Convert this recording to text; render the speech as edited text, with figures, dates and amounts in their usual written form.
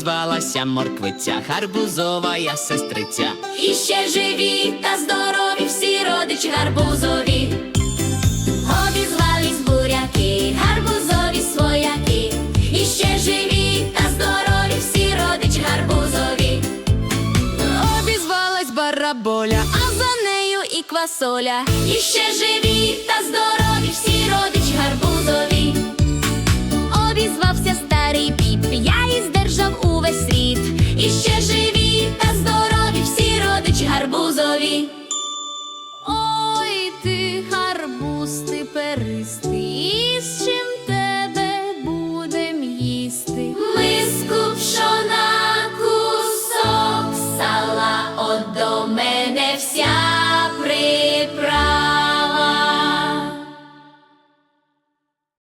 обізвалася морквиця, гарбузова сестриця. І ще живі та здорові всі родичі гарбузові. Обізвались буряки, гарбузові свояки. І ще живі та здорові всі родичі гарбузові. Обізвалась бараболя, А за нею і квасоля. І ще живі та здорові всі родичі гарбузові. Обізвався старий піп, я і здержав увесь світ. І ще живі та здорові всі родичі гарбузові. Ой, ти гарбуз, ти перистий,